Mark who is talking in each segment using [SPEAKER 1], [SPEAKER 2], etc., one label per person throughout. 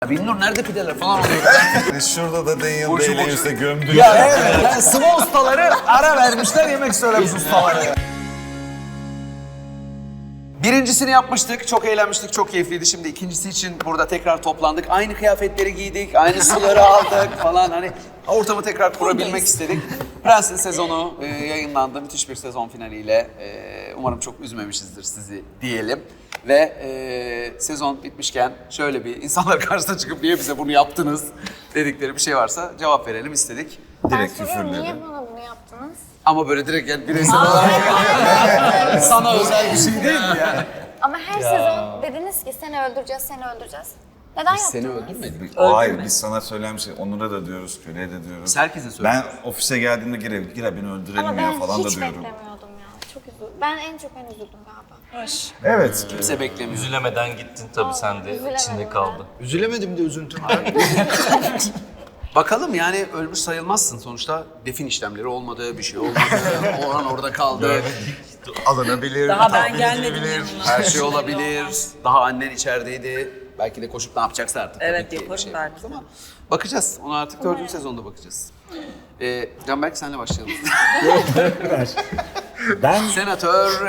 [SPEAKER 1] Binnur nerede pideler falan oluyor.
[SPEAKER 2] Şurada da Daniel Day-Lewis'e gömdük.
[SPEAKER 1] Ya evet, yani sıva ustaları ara vermişler, yemek söylemiş ustaları. Birincisini yapmıştık, çok eğlenmiştik, çok keyifliydi. Şimdi ikincisi için burada tekrar toplandık. Aynı kıyafetleri giydik, aynı suları aldık falan. Hani ortamı tekrar kurabilmek istedik. Prens'in sezonu yayınlandı. Müthiş bir sezon finaliyle. Umarım çok üzmemişizdir sizi diyelim. Ve sezon bitmişken şöyle bir insanlar karşısına çıkıp niye bize bunu yaptınız dedikleri bir şey varsa cevap verelim istedik.
[SPEAKER 2] Direkt
[SPEAKER 3] Ben soruyorum,
[SPEAKER 2] küfürledi.
[SPEAKER 3] niye bana bunu yaptınız?
[SPEAKER 1] Ama böyle direkt yani bireysel olarak sana özel bir şey değil mi yani?
[SPEAKER 3] Ama her sezon dediniz ki seni öldüreceğiz, seni öldüreceğiz. Neden yaptınız?
[SPEAKER 1] Seni öldürmedik.
[SPEAKER 2] Hayır, biz sana söylemiştik. Onur'a da diyoruz, Köle'ye de diyoruz.
[SPEAKER 1] Biz herkese
[SPEAKER 2] Ben
[SPEAKER 1] söylüyoruz.
[SPEAKER 2] ofise geldiğimde gir beni öldürelim
[SPEAKER 3] Ama
[SPEAKER 2] ya
[SPEAKER 3] ben
[SPEAKER 2] falan da
[SPEAKER 3] hiç
[SPEAKER 2] diyorum.
[SPEAKER 3] beklemiyordum ya. Çok üzüldüm. Ben en çok üzüldüm galiba.
[SPEAKER 2] Evet.
[SPEAKER 1] Kimse beklemiyor.
[SPEAKER 4] Üzülemeden gittin tabii, sen de
[SPEAKER 3] üzülemedim
[SPEAKER 4] içinde
[SPEAKER 3] ben.
[SPEAKER 4] kaldı.
[SPEAKER 1] Üzülemedim de üzüntümden. Bakalım yani ölmüş sayılmazsın. Sonuçta defin işlemleri olmadı, bir şey olmadı. Orhan orada kaldı.
[SPEAKER 2] Alınabilir.
[SPEAKER 5] Daha ben gelmedim yanına.
[SPEAKER 1] Her şey olabilir. Daha annen içerideydi. Belki de koşup ne yapacaksa artık.
[SPEAKER 5] Evet,
[SPEAKER 1] tabii ki
[SPEAKER 5] yaparım
[SPEAKER 1] bir şey
[SPEAKER 5] belki.
[SPEAKER 1] yapmaz ama bakacağız. Ona artık 4. sezonda bakacağız. Canberk senle başlayalım.
[SPEAKER 6] Ben
[SPEAKER 1] Senatör.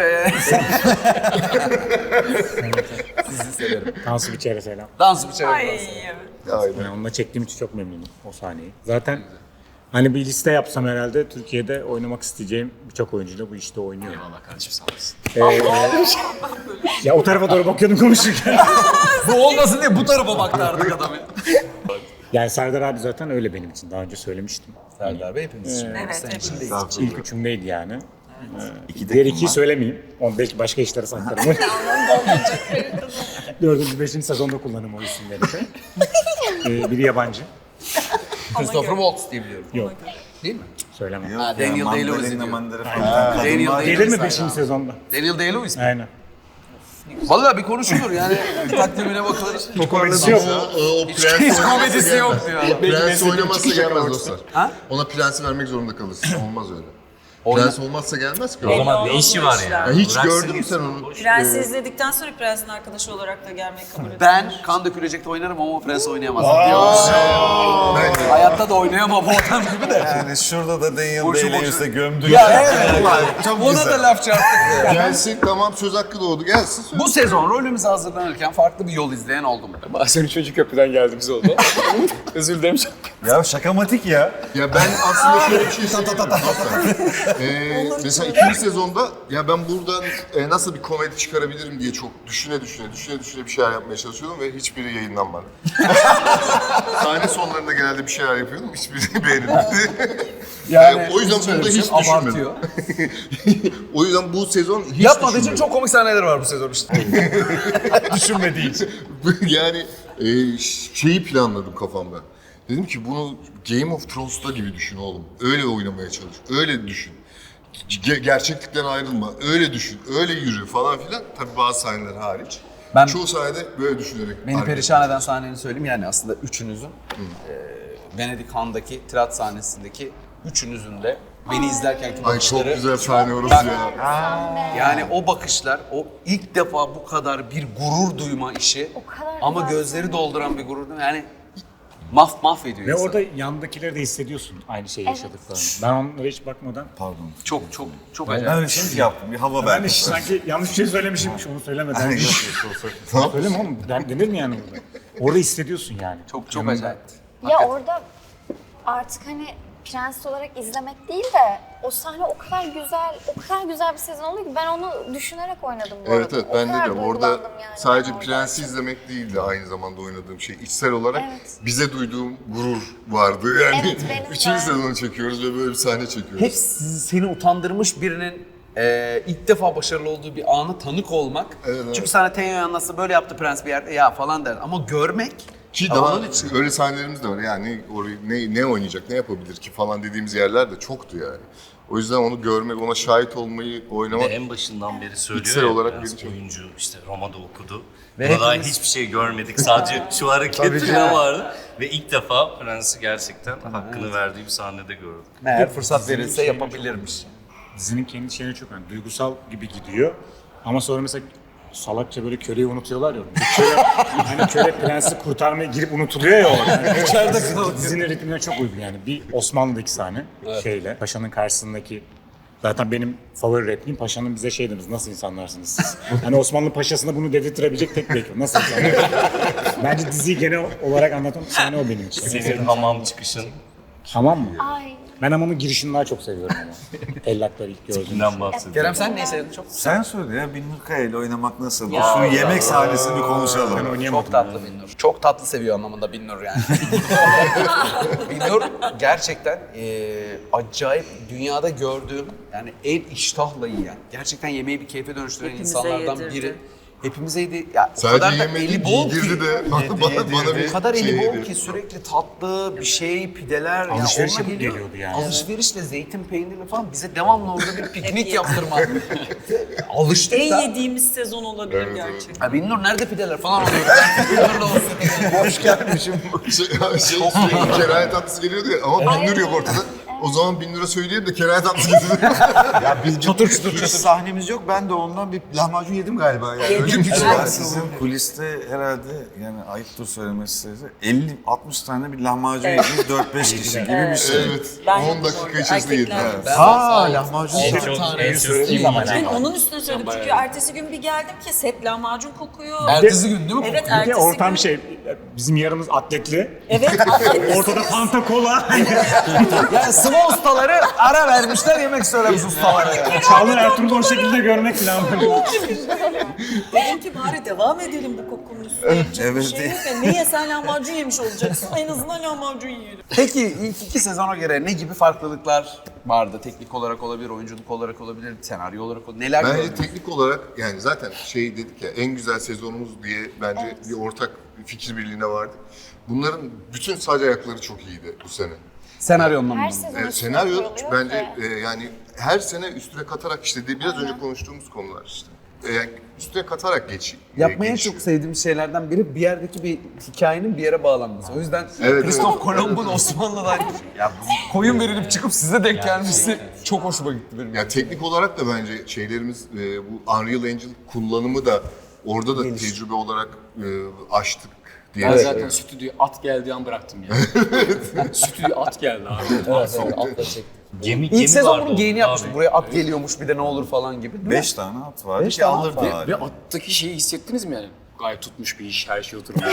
[SPEAKER 1] Sizi severim.
[SPEAKER 6] Tansu Biçer'e selam.
[SPEAKER 1] Dans bir
[SPEAKER 5] Ay,
[SPEAKER 1] çevir.
[SPEAKER 5] evet.
[SPEAKER 6] Yani onunla çektiğim için çok memnunum o sahneyi. Zaten hani bir liste yapsam herhalde Türkiye'de oynamak isteyeceğim birçok oyuncuyla bu işte oynuyor.
[SPEAKER 4] Allah kardeşim sağ olasın.
[SPEAKER 6] Ya o tarafa doğru bakıyordum konuşurken.
[SPEAKER 1] Bu olmasın diye bu tarafa baktı artık adam ya.
[SPEAKER 6] Yani Serdar abi zaten öyle benim için. Daha önce söylemiştim.
[SPEAKER 1] Serdar Bey hepimiz için.
[SPEAKER 5] Evet,
[SPEAKER 1] Sen
[SPEAKER 5] hepimiz
[SPEAKER 1] için değil.
[SPEAKER 6] İlk üçümdeydi yani.
[SPEAKER 2] İki de
[SPEAKER 6] Diğer
[SPEAKER 2] kim
[SPEAKER 6] ikiyi
[SPEAKER 2] var?
[SPEAKER 6] söylemeyeyim. Onu belki başka işlere saklarım. Dördüncü, beşinci sezonda kullanırım o isimleri de. Biri yabancı.
[SPEAKER 1] Christopher Waltz diye biliyorum.
[SPEAKER 6] Yok,
[SPEAKER 1] Değil mi?
[SPEAKER 6] söylemem.
[SPEAKER 2] Yok
[SPEAKER 1] Ha,
[SPEAKER 2] ya,
[SPEAKER 1] Daniel Day-Lewis diyor.
[SPEAKER 2] Mandela falan.
[SPEAKER 1] Daniel
[SPEAKER 2] Kadınlar-
[SPEAKER 1] Day-
[SPEAKER 6] Gelir mi
[SPEAKER 1] Sayın
[SPEAKER 6] beşinci
[SPEAKER 1] abi.
[SPEAKER 6] sezonda?
[SPEAKER 1] Daniel Day-Lewis mi?
[SPEAKER 6] Aynen.
[SPEAKER 1] Vallahi bir konuşulur yani. Takvimine bakılır.
[SPEAKER 6] O komedisi yok.
[SPEAKER 7] O
[SPEAKER 1] Hiç
[SPEAKER 7] prens
[SPEAKER 1] komedisi yok diyor.
[SPEAKER 7] Prens oynamazsa gelmez dostlar.
[SPEAKER 1] Ha?
[SPEAKER 7] Ona prensi vermek zorunda kalırsın. Olmaz öyle. Prens olmazsa gelmez ki.
[SPEAKER 4] O zaman ne işi var
[SPEAKER 7] Ya
[SPEAKER 4] ya?
[SPEAKER 7] hiç
[SPEAKER 4] Bıraksın
[SPEAKER 7] gördün mü
[SPEAKER 4] gitsin.
[SPEAKER 7] sen onu?
[SPEAKER 5] Prensi izledikten sonra prensin arkadaşı olarak da gelmeyi kabul ediyorum.
[SPEAKER 1] Ben kan dökülecekte oynarım ama o prens oynayamaz diyormuş. Hayatta da oynayamam o adam gibi de.
[SPEAKER 2] Yani şurada da Daniel
[SPEAKER 1] Boşu
[SPEAKER 2] Day-Lewis'e gömdük.
[SPEAKER 1] Ya evet.
[SPEAKER 2] Çok
[SPEAKER 1] Ona
[SPEAKER 2] güzel.
[SPEAKER 1] da laf çarptık.
[SPEAKER 7] Gelsin tamam söz hakkı doğdu gelsin.
[SPEAKER 1] Bu sezon rolümüze hazırlanırken farklı bir yol izleyen oldu mu?
[SPEAKER 8] Bazen üçüncü köprüden geldiğimiz oldu. Özür dilerim.
[SPEAKER 2] Ya şakamatik ya.
[SPEAKER 7] Ya ben aslında şöyle bir şey söyleyeyim. Mesela ikinci sezonda ya ben buradan nasıl bir komedi çıkarabilirim diye çok düşüne bir şeyler yapmaya çalışıyordum ve hiçbiri yayınlanmadı. Sahne sonlarında genelde bir şeyler yapıyordum, hiçbiri beğenilmedi. O yüzden burada hiç düşünmedim.
[SPEAKER 1] Abartıyor.
[SPEAKER 7] O yüzden bu sezon hiç
[SPEAKER 1] Yapmadığı için
[SPEAKER 7] düşünmedim.
[SPEAKER 1] çok komik sahneler var bu sezon işte.
[SPEAKER 6] Düşünmediği için.
[SPEAKER 7] Yani şeyi planladım kafamda. Dedim ki bunu Game of Thrones'ta gibi düşün oğlum. Öyle oynamaya çalış. Öyle düşün. Gerçeklikten ayrılma. Öyle düşün. Öyle yürü falan filan. Tabii bazı sahneler hariç.
[SPEAKER 1] Ben-
[SPEAKER 7] Çoğu sahnede böyle düşünerek.
[SPEAKER 1] Beni perişan eden sahneni söyleyeyim yani aslında üçünüzün Venedik Han'daki tirat sahnesindeki üçünüzün de beni izlerkenki
[SPEAKER 7] Ay
[SPEAKER 1] bakışları.
[SPEAKER 7] çok güzel sahne orası ya.
[SPEAKER 1] Yani o bakışlar, o ilk defa bu kadar bir gurur duyma işi
[SPEAKER 3] O kadar
[SPEAKER 1] ama
[SPEAKER 3] güzel
[SPEAKER 1] gözleri dolduran bir gurur yani mahvediyor
[SPEAKER 6] Ve
[SPEAKER 1] insanı.
[SPEAKER 6] orada yandakileri de hissediyorsun aynı şeyi yaşadıklarını. Ben onlara hiç bakmadan.
[SPEAKER 2] Pardon.
[SPEAKER 1] Çok
[SPEAKER 2] Ben
[SPEAKER 1] acayip.
[SPEAKER 2] öyle şey yaptım. Bir hava
[SPEAKER 6] Ben
[SPEAKER 2] verdim.
[SPEAKER 6] de sanki yanlış bir şey söylemişimmiş onu söylemeden. Söyleme oğlum. Denir mi yani burada? Orada hissediyorsun yani.
[SPEAKER 1] Çok acayip.
[SPEAKER 3] Ya orada artık hani prens olarak izlemek değil de o sahne o kadar güzel bir sezon oldu ki ben onu düşünerek oynadım bu
[SPEAKER 7] Evet
[SPEAKER 3] arada.
[SPEAKER 7] evet ben
[SPEAKER 3] O
[SPEAKER 7] de
[SPEAKER 3] kadar
[SPEAKER 7] diyorum orada
[SPEAKER 3] duygulandım yani
[SPEAKER 7] sadece
[SPEAKER 3] ben orada.
[SPEAKER 7] prensi izlemek değildi aynı zamanda oynadığım şey. İçsel olarak
[SPEAKER 3] Evet.
[SPEAKER 7] bize duyduğum gurur vardı. Yani
[SPEAKER 3] Evet, benim de.
[SPEAKER 7] üçüncü sezonu çekiyoruz ve böyle bir sahne çekiyoruz.
[SPEAKER 1] Hep seni utandırmış birinin ilk defa başarılı olduğu bir anı tanık olmak.
[SPEAKER 7] Evet.
[SPEAKER 1] Çünkü sana Tenyo'ya nasıl böyle yaptı prens bir yerde ya falan der. Ama görmek
[SPEAKER 7] Ki
[SPEAKER 1] ama
[SPEAKER 7] daha
[SPEAKER 1] onun için.
[SPEAKER 7] öyle sahnelerimiz de var. Yani orayı ne oynayacak, ne yapabilir ki falan dediğimiz yerler de çoktu yani. O yüzden onu görmek, ona şahit olmayı,
[SPEAKER 4] Ve
[SPEAKER 7] oynamak
[SPEAKER 4] en başından beri söylüyor
[SPEAKER 7] İçsel
[SPEAKER 4] ya,
[SPEAKER 7] olarak
[SPEAKER 4] biraz
[SPEAKER 7] beni çok-
[SPEAKER 4] oyuncu işte Roma'da okudu.
[SPEAKER 1] Ve
[SPEAKER 4] Ve daha
[SPEAKER 1] hepimiz-
[SPEAKER 4] hiçbir şey görmedik. Sadece şu hareketler vardı. Ve ilk defa Prens'i gerçekten hakkını verdiği bir sahnede gördük.
[SPEAKER 1] Meğer fırsat verilse yapabilirmiş.
[SPEAKER 6] Dizinin kendi şeyine çok önemli. Duygusal gibi gidiyor. Ama sonra mesela salakça böyle köleyi unutuyorlar ya. Köle, hani köle prensi kurtarmaya girip unutuluyor ya orada. İçeride kalıyor. Dizinin ritmine çok uygun yani. Bir Osmanlı'daki sahne şeyle, paşanın karşısındaki. Zaten benim favori repliğim paşanın bize şey demesi, nasıl insanlarsınız siz? Hani Osmanlı paşasına bunu dedirttirebilecek tek bir ekip. Nasıl insanlar? Bence diziyi genel olarak anlatan sahne o benim için.
[SPEAKER 4] Senin hamam çıkışın.
[SPEAKER 6] Hamam mı?
[SPEAKER 3] Ay.
[SPEAKER 6] Ben hamamın girişini daha çok seviyorum ama. Tellakları ilk gördüğüm.
[SPEAKER 4] Tipinden bahsediyorum.
[SPEAKER 1] Kerem sen neyi sevdin çok?
[SPEAKER 2] Sen söyle ya Binnur Kaya ile oynamak nasıl?
[SPEAKER 5] Ya.
[SPEAKER 2] Şu yemek sahnesini bir konuşalım.
[SPEAKER 6] Ben oynayamadım.
[SPEAKER 1] Çok tatlı Binnur. Çok tatlı seviyor anlamında Binnur yani. Binnur gerçekten acayip dünyada gördüğüm yani en iştahla yiyen, gerçekten yemeği bir keyfe dönüştüren
[SPEAKER 5] Hepimize
[SPEAKER 1] insanlardan
[SPEAKER 5] yedirdi.
[SPEAKER 1] biri. Hepimize yedi. Ya, o
[SPEAKER 7] Sadece
[SPEAKER 1] kadar da
[SPEAKER 7] yemedi,
[SPEAKER 1] eli bol
[SPEAKER 7] giydirdi
[SPEAKER 1] ki.
[SPEAKER 7] de bana bir
[SPEAKER 1] O kadar
[SPEAKER 7] şey
[SPEAKER 1] eli bol
[SPEAKER 7] yedirdi.
[SPEAKER 1] ki sürekli tatlı bir şey, pideler. ya
[SPEAKER 6] Alışveriş
[SPEAKER 1] onunla
[SPEAKER 6] yapıp geliyordu yani.
[SPEAKER 1] Alışverişle zeytin peynirli falan bize devamlı orada bir piknik
[SPEAKER 5] yedik.
[SPEAKER 1] yaptırma. Alıştık
[SPEAKER 5] En
[SPEAKER 1] da.
[SPEAKER 5] yediğimiz sezon olabilir gerçekten.
[SPEAKER 1] Ha Binnur nerede pideler falan oluyor. Binnur'la olsun.
[SPEAKER 7] Hoş gelmişim. Sürekli keraye tatlısı geliyordu ya ama Binnur yok ortada. O zaman Binnur'a söyleyeyim de keraye tatlısı getirdi.
[SPEAKER 2] Ya biz çatır çatır sahnemiz yok. Ben de ondan bir lahmacun yedim galiba yani. Öyle bir şey var. Sizin kuliste herhalde yani ayıptır söylemesi 50-60 tane bir lahmacun yediniz 4-5 kişi gibi bir şey.
[SPEAKER 7] Evet.
[SPEAKER 5] Ben
[SPEAKER 7] 10
[SPEAKER 5] yedim
[SPEAKER 7] dakika
[SPEAKER 5] orada,
[SPEAKER 7] içerisinde yedim.
[SPEAKER 5] erkekler.
[SPEAKER 2] Lahmacun
[SPEAKER 4] En
[SPEAKER 2] çok
[SPEAKER 4] çok,
[SPEAKER 1] tane
[SPEAKER 4] en çok
[SPEAKER 6] söylediğim zaman
[SPEAKER 5] Ben
[SPEAKER 4] yiyeceğim.
[SPEAKER 5] onun üstüne söyledim çünkü ertesi gün bir geldim ki set lahmacun kokuyor.
[SPEAKER 1] Ertesi gün değil mi?
[SPEAKER 5] Evet
[SPEAKER 6] Bir de
[SPEAKER 5] ertesi
[SPEAKER 6] ortam
[SPEAKER 5] gün.
[SPEAKER 6] şey, bizim yarımız atletli.
[SPEAKER 5] Evet.
[SPEAKER 6] Ortada Fanta Cola.
[SPEAKER 1] Yani sıva ustaları ara vermişler yemek söylemiş ustalara. Yani.
[SPEAKER 6] Çağlar Ertuğrul'u o şekilde görmek falan.
[SPEAKER 5] Dedim ki bari devam edelim bu kokunun üstüne. Yapacak
[SPEAKER 2] Evet.
[SPEAKER 5] bir şey yok ya. Niye sen lahmacun yemiş olacaksın? En azından lahmacun yiyelim.
[SPEAKER 1] Peki ilk 2 sezona göre ne gibi farklılıklar vardı? Teknik olarak olabilir, oyunculuk olarak olabilir, senaryo olarak olabilir. Neler
[SPEAKER 7] Bence
[SPEAKER 1] gördün?
[SPEAKER 7] teknik olarak yani zaten şey dedik ya en güzel sezonumuz diye bence bir ortak fikir birliğine vardık. Bunların bütün sac ayakları çok iyiydi bu sene.
[SPEAKER 1] Senaryonun
[SPEAKER 3] Her
[SPEAKER 1] mu?
[SPEAKER 3] sezon
[SPEAKER 7] Evet,
[SPEAKER 3] üstüne
[SPEAKER 7] senaryo
[SPEAKER 3] kuruluyor
[SPEAKER 7] bence
[SPEAKER 3] ki.
[SPEAKER 7] yani her sene üstüne katarak işte biraz önce konuştuğumuz konular işte. Yani üstüne katarak
[SPEAKER 1] Yapmaya
[SPEAKER 7] gelişiyor.
[SPEAKER 1] çok sevdiğim şeylerden biri bir yerdeki bir hikayenin bir yere bağlanması. O yüzden
[SPEAKER 7] Evet,
[SPEAKER 1] Christoph Kolomb'un Osmanlı'dan ya bu koyun verilip çıkıp size denk gelmesi çok hoşuma gitti benim.
[SPEAKER 7] Yani teknik olarak da bence şeylerimiz bu Unreal Engine kullanımı da orada da tecrübe olarak aştık diye.
[SPEAKER 8] Ben
[SPEAKER 1] Evet,
[SPEAKER 8] zaten stüdyoya at geldiği an bıraktım ya. Stüdyoya at geldi abi. Atla çektim.
[SPEAKER 4] Gemi
[SPEAKER 1] İlk sezon
[SPEAKER 4] vardı
[SPEAKER 1] bunun geyini
[SPEAKER 4] orada
[SPEAKER 1] yapmıştık.
[SPEAKER 4] abi.
[SPEAKER 1] Buraya at geliyormuş bir de ne olur falan gibi. Değil mi?
[SPEAKER 2] 5 tane at vardı
[SPEAKER 1] Beş
[SPEAKER 2] ki
[SPEAKER 1] tane at
[SPEAKER 2] alırdı
[SPEAKER 1] var.
[SPEAKER 2] abi.
[SPEAKER 8] Ve attaki şeyi hissettiniz mi yani? Gayet tutmuş bir iş, her şey oturmuş.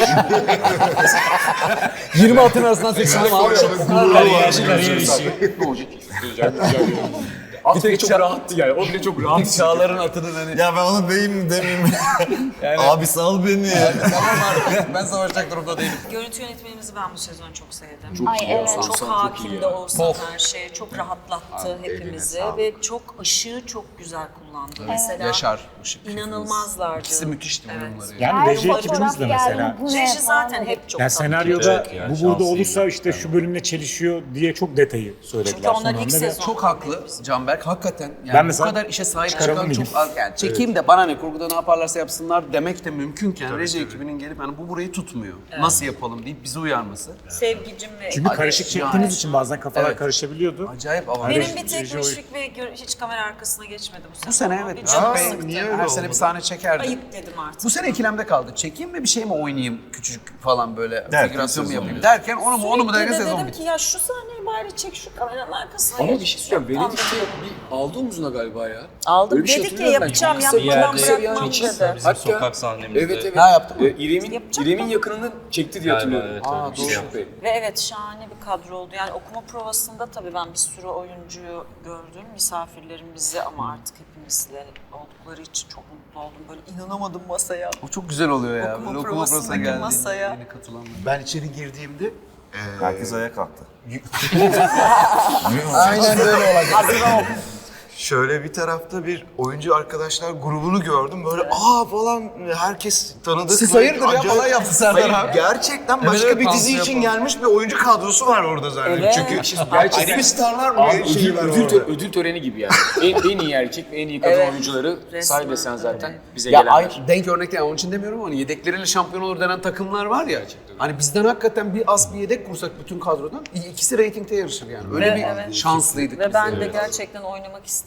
[SPEAKER 1] 20 atın arasından seçildim abi.
[SPEAKER 4] Kariyer işi.
[SPEAKER 8] Ne olacak ki? Güzel, güzel. At bile çok rahattı yani. O bile çok rahat.
[SPEAKER 1] Çağlar'ın atının hani.
[SPEAKER 2] Ya ben onu deyim mi demeyeyim mi? Abi sal beni ya.
[SPEAKER 1] Tamam abi ben savaşacak durumda değilim.
[SPEAKER 5] Görüntü yönetmenimizi ben bu sezon çok sevdim.
[SPEAKER 3] Ay evet.
[SPEAKER 5] Çok
[SPEAKER 8] Çok iyi
[SPEAKER 5] hakim
[SPEAKER 8] ya.
[SPEAKER 5] de olsa
[SPEAKER 1] Of.
[SPEAKER 5] her şeye çok rahatlattı hepimizi ve çok ışığı çok güzel kullandı. Mesela
[SPEAKER 1] Yaşar, Işık.
[SPEAKER 5] inanılmazlardı.
[SPEAKER 1] İkisi müthişti
[SPEAKER 5] Evet.
[SPEAKER 1] uyumları.
[SPEAKER 6] Yani
[SPEAKER 3] Her
[SPEAKER 6] reji
[SPEAKER 3] fotoğraf
[SPEAKER 6] ekibimiz de
[SPEAKER 3] geldi,
[SPEAKER 6] mesela.
[SPEAKER 3] bu ne
[SPEAKER 5] Reji
[SPEAKER 3] falan
[SPEAKER 5] zaten
[SPEAKER 3] dedik.
[SPEAKER 5] hep çok
[SPEAKER 6] Yani
[SPEAKER 5] tatlı.
[SPEAKER 6] senaryoda
[SPEAKER 4] Evet ya,
[SPEAKER 6] bu burada
[SPEAKER 4] şanslıyım.
[SPEAKER 6] olursa işte şu bölümle çelişiyor diye çok detayı söylediler.
[SPEAKER 5] Çünkü onlar
[SPEAKER 6] son
[SPEAKER 5] ilk
[SPEAKER 6] anda ve
[SPEAKER 5] sezon.
[SPEAKER 1] Çok haklı Canberk. Hakikaten yani
[SPEAKER 6] Ben
[SPEAKER 1] bu
[SPEAKER 6] mesela
[SPEAKER 1] kadar işe sahip
[SPEAKER 6] çıkaralım
[SPEAKER 1] çıkan
[SPEAKER 6] mıyım?
[SPEAKER 1] çok az. Yani çekeyim de bana ne kurguda ne yaparlarsa yapsınlar demek de mümkünken reji ekibinin gelip yani bu burayı tutmuyor. Nasıl yapalım deyip bizi uyarması.
[SPEAKER 5] Sevgicim ve
[SPEAKER 6] Çünkü karışık çektiğimiz için bazen kafalar
[SPEAKER 1] Evet.
[SPEAKER 6] karışabiliyordu.
[SPEAKER 1] Acayip avantaj.
[SPEAKER 5] benim bir tek
[SPEAKER 6] Reji
[SPEAKER 5] müşrik ve hiç kamera arkasına geçmedi bu sene.
[SPEAKER 1] Bu sene evet.
[SPEAKER 5] Bir
[SPEAKER 1] Cenk
[SPEAKER 5] canım
[SPEAKER 1] Bey
[SPEAKER 5] sıktı.
[SPEAKER 1] her sene bir sahne çekerdi.
[SPEAKER 5] Ayıp dedim artık.
[SPEAKER 1] Bu sene ikilemde kaldı. Çekeyim mi bir şey mi oynayayım küçücük falan böyle
[SPEAKER 2] Derken
[SPEAKER 1] figürasyon mu
[SPEAKER 2] sezon
[SPEAKER 1] yapayım
[SPEAKER 2] bitti.
[SPEAKER 1] derken onu mu derken
[SPEAKER 5] Sürekli de
[SPEAKER 1] sezon
[SPEAKER 5] dedim
[SPEAKER 1] bitti.
[SPEAKER 5] ki ya şu sahneyi bari çek şu kameranın arkasına
[SPEAKER 8] Ama
[SPEAKER 5] geç.
[SPEAKER 8] bir şey söyleyeyim.
[SPEAKER 5] Tamam,
[SPEAKER 8] Venedik bir aldı omzuna galiba ya.
[SPEAKER 5] aldım
[SPEAKER 8] Öyle bir şey
[SPEAKER 5] dedi ki
[SPEAKER 8] hatırlıyorum ben.
[SPEAKER 5] yapacağım
[SPEAKER 8] Çok kısa
[SPEAKER 5] yapmadan
[SPEAKER 8] bir yerde
[SPEAKER 5] bırakmam
[SPEAKER 8] çekişti.
[SPEAKER 5] dedi.
[SPEAKER 4] Bizim
[SPEAKER 8] Hatta-
[SPEAKER 4] sokak sahnemizde.
[SPEAKER 8] Evet evet.
[SPEAKER 1] Ne yaptın mı?
[SPEAKER 8] İrem'in yakınını çekti diye
[SPEAKER 4] Galiba,
[SPEAKER 8] hatırlıyorum.
[SPEAKER 4] evet, öyle bir şey
[SPEAKER 8] doğru.
[SPEAKER 4] yaptı.
[SPEAKER 5] Ve evet şahane bir kadro oldu. Yani okuma provasında tabii ben bir sürü oyuncuyu gördüm. Misafirlerimizi ama artık hepimizle oldukları için çok mutlu oldum. Böyle inanamadım masaya.
[SPEAKER 1] O çok güzel oluyor ya.
[SPEAKER 5] Okuma
[SPEAKER 1] Böyle okuma
[SPEAKER 5] provasındaki
[SPEAKER 1] provasına geldiğinde
[SPEAKER 5] masaya.
[SPEAKER 1] yeni katılanlar.
[SPEAKER 7] Ben içeri girdiğimde
[SPEAKER 2] Herkes ayağa kalktı.
[SPEAKER 1] Aynen böyle olacak.
[SPEAKER 9] Şöyle bir tarafta bir oyuncu arkadaşlar grubunu gördüm. Böyle aa falan herkes tanıdık.
[SPEAKER 1] Siz
[SPEAKER 9] Böyle
[SPEAKER 1] hayırdır ya
[SPEAKER 9] acayip-
[SPEAKER 1] falan yaptı Serdar
[SPEAKER 9] Hayır,
[SPEAKER 1] abi.
[SPEAKER 9] gerçekten başka
[SPEAKER 1] evet,
[SPEAKER 9] bir dizi
[SPEAKER 1] pansiyon
[SPEAKER 9] için
[SPEAKER 1] yapalım.
[SPEAKER 9] gelmiş bir oyuncu kadrosu var orada zaten.
[SPEAKER 5] Evet.
[SPEAKER 9] Çünkü
[SPEAKER 8] Gerçekten.
[SPEAKER 9] ayrı bir starlar mı
[SPEAKER 8] Abi,
[SPEAKER 9] şeyi var orada.
[SPEAKER 8] ödül töreni gibi yani. en iyi erkek ve en iyi kadın
[SPEAKER 5] Evet.
[SPEAKER 8] oyuncuları
[SPEAKER 5] Resmen.
[SPEAKER 8] say desen zaten bize
[SPEAKER 1] Ya
[SPEAKER 8] gelenler.
[SPEAKER 1] denk örnek değil, onun için demiyorum ama hani yedekleriyle şampiyon olur denen takımlar var ya. Hani bizden hakikaten bir az bir yedek kursak bütün kadrodan ikisi reytingte yarışır yani. Öyle
[SPEAKER 5] Ve
[SPEAKER 1] bir
[SPEAKER 5] evet.
[SPEAKER 1] şanslıydık
[SPEAKER 5] Ve
[SPEAKER 1] biz.
[SPEAKER 5] ben de gerçekten oynamak istedim.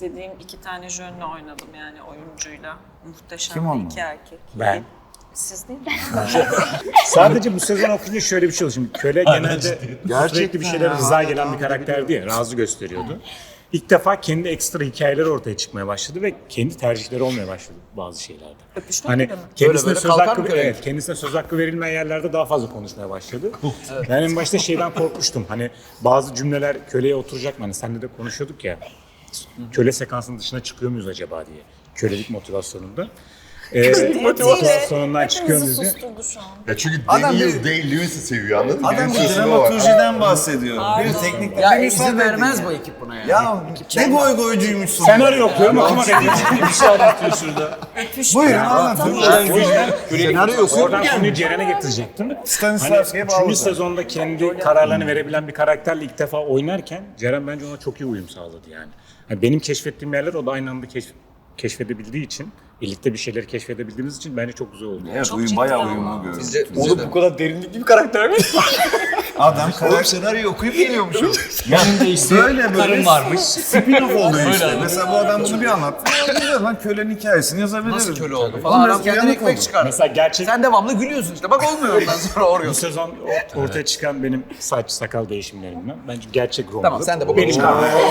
[SPEAKER 5] istediğim 2 tane jönle oynadım yani oyuncuyla. Muhteşem
[SPEAKER 2] Kim onlar?
[SPEAKER 5] 2 erkek.
[SPEAKER 6] Ben.
[SPEAKER 5] Siz değil mi?
[SPEAKER 6] Sadece bu sezon okuyunca şöyle bir şey oldu. Şimdi köle genelde sürekli bir şeyler rıza gelen bir karakterdi ya, razı gösteriyordu. İlk defa kendi ekstra hikayeleri ortaya çıkmaya başladı ve kendi tercihleri olmaya başladı bazı şeylerde.
[SPEAKER 5] Öpüşmek
[SPEAKER 6] Hani
[SPEAKER 5] gibi mi?
[SPEAKER 6] kendisine
[SPEAKER 1] Böyle
[SPEAKER 6] söz
[SPEAKER 1] kalkar
[SPEAKER 6] hakkı
[SPEAKER 1] mı köle?
[SPEAKER 6] evet, kendisine söz hakkı verilmeyen yerlerde daha fazla konuşmaya başladı. Ben en başta şeyden korkmuştum. Hani bazı cümleler köleye oturacak mı? Hani seninle de konuşuyorduk ya. Köle sekansının dışına çıkıyor muyuz acaba diye. Kölelik motivasyonunda. Motivasyonundan çıkıyor muyuz
[SPEAKER 5] Hepimizi
[SPEAKER 6] diye.
[SPEAKER 5] susturdu şu an.
[SPEAKER 7] Ya çünkü
[SPEAKER 2] Adam
[SPEAKER 7] Daniel
[SPEAKER 2] bir-
[SPEAKER 7] Day-Lewis'i seviyor anladın mı?
[SPEAKER 2] Adam
[SPEAKER 7] Benim
[SPEAKER 2] bir
[SPEAKER 7] sözüme bak.
[SPEAKER 2] dramaturjiden bahsediyor. Bir teknik
[SPEAKER 1] Ya
[SPEAKER 2] bir
[SPEAKER 1] izin
[SPEAKER 2] müsaade
[SPEAKER 1] vermez
[SPEAKER 2] edin
[SPEAKER 1] bu ekip buna yani.
[SPEAKER 2] Ya ne goy goycuymuşsun.
[SPEAKER 6] Senaryo okuyorum, okumak ediyorum.
[SPEAKER 8] Bir şey anlatıyor şurada.
[SPEAKER 2] Buyurun anlatın.
[SPEAKER 6] Oradan konuyu Ceren'e getirecektim. Hani
[SPEAKER 2] Stanislavski'ye
[SPEAKER 6] 3.
[SPEAKER 2] bağlı.
[SPEAKER 6] sezonda kendi kararlarını verebilen bir karakterle ilk defa oynarken Ceren bence ona çok iyi uyum sağladı yani. Hani benim keşfettiğim yerler o da aynı anda keşfedebildiği için, birlikte bir şeyleri keşfedebildiğimiz için bence çok güzel oldu.
[SPEAKER 2] Evet,
[SPEAKER 5] Çok
[SPEAKER 2] uyum,
[SPEAKER 5] ciddi
[SPEAKER 2] bayağı
[SPEAKER 5] ama.
[SPEAKER 2] uyumlu görüyorum.
[SPEAKER 8] Oğlum bu kadar derinlikli bir karakter mi?
[SPEAKER 2] Adam
[SPEAKER 9] Oğlum
[SPEAKER 2] karakter
[SPEAKER 9] senaryo okuyup geliyormuş o.
[SPEAKER 8] Yanında işte
[SPEAKER 2] böyle
[SPEAKER 8] karın varmış.
[SPEAKER 2] spin-off oluyor işte.
[SPEAKER 8] Öyle.
[SPEAKER 2] Mesela bu adam bunu bir anlattı. Ya güzel lan kölenin hikayesini yazabiliriz.
[SPEAKER 1] Nasıl köle oldu
[SPEAKER 2] Oğlum
[SPEAKER 1] falan.
[SPEAKER 2] biraz
[SPEAKER 1] Adam kendine
[SPEAKER 2] uyanık
[SPEAKER 1] ekmek
[SPEAKER 2] oldu.
[SPEAKER 1] çıkardı.
[SPEAKER 6] Mesela gerçek
[SPEAKER 1] Sen devamlı gülüyorsun işte. Bak olmuyor ondan sonra
[SPEAKER 6] bu
[SPEAKER 1] oruyorsun.
[SPEAKER 6] sezon ortaya çıkan benim saç sakal değişimlerimden bence gerçek Roma'da.
[SPEAKER 1] Tamam sen de bu
[SPEAKER 6] benim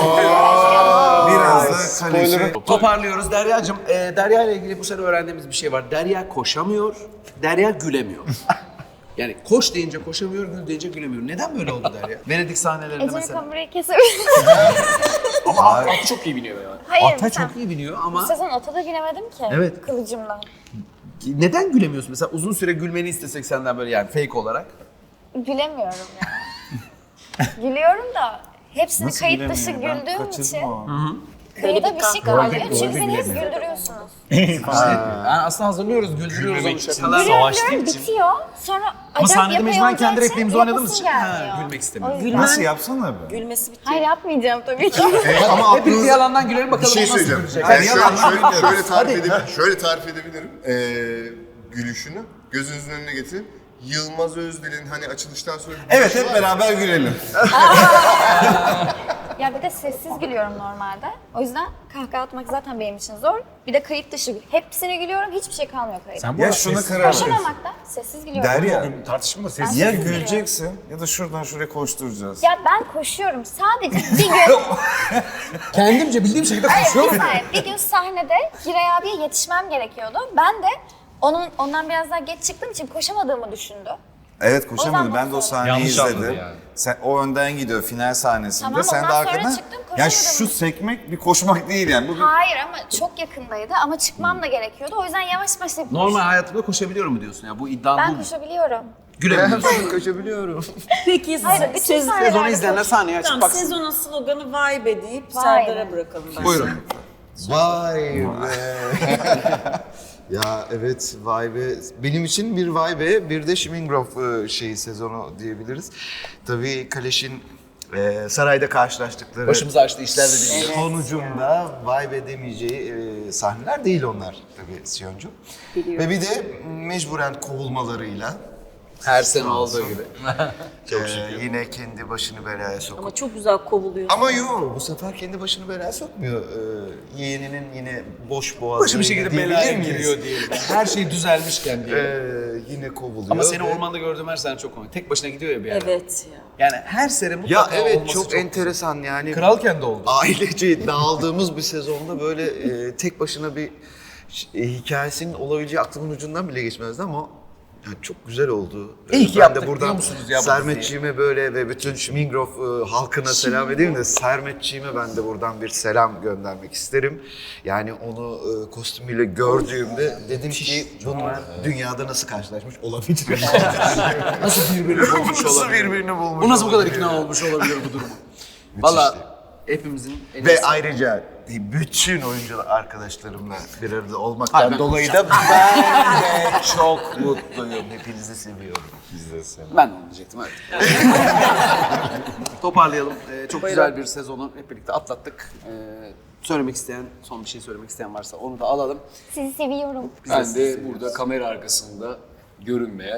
[SPEAKER 2] Biraz da kaleci.
[SPEAKER 1] Toparlıyoruz Derya'cığım. Derya ile ilgili bu sene öğrendiğimiz bir şey var. Derya koşamıyor, Derya gülemiyor. Yani koş deyince koşamıyor, gül deyince gülemiyor. Neden böyle oldu Derya? Venedik sahnelerinde
[SPEAKER 3] Ece
[SPEAKER 1] mesela.
[SPEAKER 3] kamerayı kesebilir.
[SPEAKER 8] Ama at çok iyi biniyor yani.
[SPEAKER 3] Hayır,
[SPEAKER 1] Ata
[SPEAKER 3] sen-
[SPEAKER 1] çok iyi biniyor
[SPEAKER 3] Bu
[SPEAKER 1] ama
[SPEAKER 3] sezon ata da binemedim ki.
[SPEAKER 1] Evet.
[SPEAKER 3] Kılıcımdan.
[SPEAKER 1] neden gülemiyorsun? Mesela uzun süre gülmeni istesek senden böyle yani fake olarak.
[SPEAKER 3] Gülemiyorum ya. Gülüyorum da hepsini
[SPEAKER 2] Nasıl
[SPEAKER 3] kayıt dışı
[SPEAKER 2] bilemiyorum? Ben
[SPEAKER 3] güldüğüm
[SPEAKER 2] kaçırdım
[SPEAKER 3] için
[SPEAKER 2] o.
[SPEAKER 3] kayıda bir şey kalmıyor.
[SPEAKER 6] Rolde
[SPEAKER 3] Çünkü beni hep
[SPEAKER 6] gülemiyorum.
[SPEAKER 3] güldürüyorsunuz.
[SPEAKER 1] Yani aslında hazırlıyoruz, güldürüyoruz onu şakalar.
[SPEAKER 3] Gülüyorum, bitiyor. Sonra
[SPEAKER 1] Ama
[SPEAKER 3] acayip
[SPEAKER 1] sahnede
[SPEAKER 3] yapay
[SPEAKER 1] mecburen
[SPEAKER 3] olacağı
[SPEAKER 1] kendi
[SPEAKER 3] için
[SPEAKER 1] repliğimizi oynadığımız
[SPEAKER 3] yapasım
[SPEAKER 1] için
[SPEAKER 3] gelmiyor.
[SPEAKER 1] gülmek istemiyorum.
[SPEAKER 3] O yüzden-
[SPEAKER 2] Nasıl yapsana be?
[SPEAKER 5] Gülmesi bitiyor.
[SPEAKER 3] Hayır yapmayacağım tabii ki.
[SPEAKER 7] Ama
[SPEAKER 1] Hepimiz
[SPEAKER 7] aklınıza
[SPEAKER 1] yalandan gülelim
[SPEAKER 7] bir
[SPEAKER 1] bakalım
[SPEAKER 7] şey
[SPEAKER 1] o nasıl
[SPEAKER 7] söyleyeceğim.
[SPEAKER 1] gülecek.
[SPEAKER 7] Yani
[SPEAKER 1] Hadi
[SPEAKER 7] şöyle tarif edebilirim. Gülüşünü gözünüzün önüne getirin. Yılmaz Özdil'in hani açılıştan sonra...
[SPEAKER 2] Evet hep beraber gülelim.
[SPEAKER 3] Ya bir de sessiz gülüyorum normalde. O yüzden kahkaha atmak zaten benim için zor. Bir de kayıt dışı hepsine gülüyorum. Hiçbir şey kalmıyor kayıt.
[SPEAKER 6] Sen bu
[SPEAKER 2] Ya
[SPEAKER 6] arada
[SPEAKER 2] şuna
[SPEAKER 6] sessiz-
[SPEAKER 2] karar ver.
[SPEAKER 3] Koşamamakta sessiz gülüyorum.
[SPEAKER 2] Derya
[SPEAKER 6] tartışmada sessiz.
[SPEAKER 2] ya
[SPEAKER 3] Sessiz
[SPEAKER 2] güleceksin ya da şuradan şuraya koşturacağız.
[SPEAKER 3] Ya ben koşuyorum. Sadece bir gün...
[SPEAKER 1] Kendimce bildiğim şekilde
[SPEAKER 3] Hayır,
[SPEAKER 1] koşuyorum.
[SPEAKER 3] bir saniye. Bir gün sahnede Giray abiye yetişmem gerekiyordu. Ben de ondan biraz daha geç çıktığım için koşamadığımı düşündü.
[SPEAKER 2] Evet koşamadım.
[SPEAKER 3] O
[SPEAKER 2] Ben de o
[SPEAKER 3] zaman
[SPEAKER 2] sahneyi
[SPEAKER 8] Yanlış anladı
[SPEAKER 2] izledim.
[SPEAKER 8] yani.
[SPEAKER 2] Sen o önden gidiyor final sahnesinde.
[SPEAKER 3] Tamam,
[SPEAKER 2] Sen de
[SPEAKER 3] ondan sonra
[SPEAKER 2] arkadan.
[SPEAKER 3] çıktım,
[SPEAKER 2] Ya
[SPEAKER 3] koşamadım.
[SPEAKER 2] şu sekmek bir koşmak değil yani. Bu bir...
[SPEAKER 3] Hayır ama çok yakındaydı ama çıkmam da gerekiyordu. O yüzden yavaş yavaş yapıyorum.
[SPEAKER 1] Normal hayatımda koşabiliyorum mu diyorsun ya? Bu iddian bu
[SPEAKER 3] Ben
[SPEAKER 1] mu?
[SPEAKER 3] koşabiliyorum.
[SPEAKER 1] Gülemiyorsun.
[SPEAKER 9] Kaçabiliyorum.
[SPEAKER 5] Peki
[SPEAKER 3] Hayır, bütün sahnelerde
[SPEAKER 1] Sezonu izleyenler sahneye açıp
[SPEAKER 5] Tamam,
[SPEAKER 1] baksın.
[SPEAKER 5] sezonun sloganı Vibe deyip
[SPEAKER 3] Vibe.
[SPEAKER 5] Serdar'a bırakalım bence.
[SPEAKER 1] Buyurun.
[SPEAKER 9] Vay be. Ya evet vay be. Benim için bir vay be, bir de Schmingroff sezonu diyebiliriz. Tabii Kaleş'in sarayda karşılaştıkları
[SPEAKER 1] Başımızı açtı işler de değil.
[SPEAKER 9] sonucunda vay be demeyeceği sahneler değil onlar tabii Siyoncu. Ve bir de mecburen kovulmalarıyla
[SPEAKER 1] Her sene olduğu gibi.
[SPEAKER 9] yine kendi başını belaya sokup.
[SPEAKER 5] Ama çok güzel kovuluyor.
[SPEAKER 9] Ama yok bu sefer kendi başını belaya sokmuyor. Yeğeninin yine boş boğazı.
[SPEAKER 1] Başka bir şekilde belaya giriyor diyelim. Her şey düzelmişken diyelim.
[SPEAKER 9] Yine kovuluyor.
[SPEAKER 1] Ama seni
[SPEAKER 9] ve-
[SPEAKER 1] ormanda gördüğüm her sene çok komik. Tek başına gidiyor ya bir yere.
[SPEAKER 5] Evet ya.
[SPEAKER 1] Yani her sene
[SPEAKER 9] Ya
[SPEAKER 1] mutlaka
[SPEAKER 9] evet
[SPEAKER 1] olması
[SPEAKER 9] çok enteresan yani.
[SPEAKER 1] Kralken de oldu.
[SPEAKER 9] Ailece dağıldığımız bir sezonda böyle tek başına bir hikayesinin olabileceği aklımın ucundan bile geçmezdi ama yani çok güzel oldu.
[SPEAKER 1] İyi ki
[SPEAKER 9] ben
[SPEAKER 1] yaptık,
[SPEAKER 9] de
[SPEAKER 1] biliyor
[SPEAKER 9] buradan
[SPEAKER 1] musunuz ya bu
[SPEAKER 9] Sermetçiğime böyle ve bütün Schmingroff halkına selam edeyim de Sermetçiğime ben de buradan bir selam göndermek isterim. Yani onu kostümüyle gördüğümde dedim ki bunlar dünyada nasıl karşılaşmış olabilir?
[SPEAKER 1] Nasıl birbirini bulmuş
[SPEAKER 9] Nasıl
[SPEAKER 1] olabilir?
[SPEAKER 9] birbirini bulmuş
[SPEAKER 1] Bu nasıl bu kadar
[SPEAKER 9] olabilir?
[SPEAKER 1] ikna olmuş olabilir bu durumu? Valla hepimizin en
[SPEAKER 9] Ve
[SPEAKER 1] iyisi.
[SPEAKER 9] ayrıca bütün oyuncu arkadaşlarımla bir arada olmaktan
[SPEAKER 1] Hayır, ben-
[SPEAKER 9] dolayı da ben de çok mutluyum. Hepinizi seviyorum. Biz de seviyoruz.
[SPEAKER 1] Ben de onu diyecektim evet. Toparlayalım. Çok güzel bir sezonu hep birlikte atlattık. Söylemek isteyen, son bir şey söylemek isteyen varsa onu da alalım.
[SPEAKER 3] Sizi seviyorum.
[SPEAKER 8] Ben de burada kamera arkasında görünmeye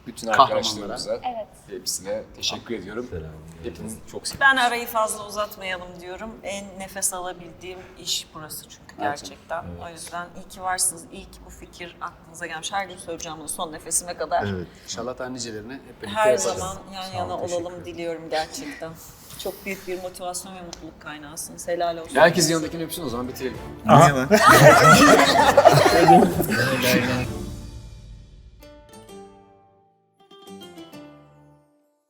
[SPEAKER 8] Bütün arkadaşlarımıza,
[SPEAKER 3] Evet.
[SPEAKER 8] hepsine teşekkür ediyorum. Hepinizi çok seviyorum.
[SPEAKER 5] Ben arayı fazla uzatmayalım diyorum. En nefes alabildiğim iş burası çünkü gerçekten. O yüzden iyi ki varsınız. İyi ki bu fikir aklınıza gelmiş. Her gün söyleyeceğim bunu son nefesime kadar.
[SPEAKER 8] İnşallah daha nicelerine hep birlikte
[SPEAKER 5] Her
[SPEAKER 8] yaparız.
[SPEAKER 5] zaman yan yana olalım diliyorum gerçekten. Çok büyük bir motivasyon ve mutluluk kaynağısınız. Helal olsun.
[SPEAKER 8] Herkes yanındakini öpsün o zaman bitirelim.
[SPEAKER 2] Niye lan?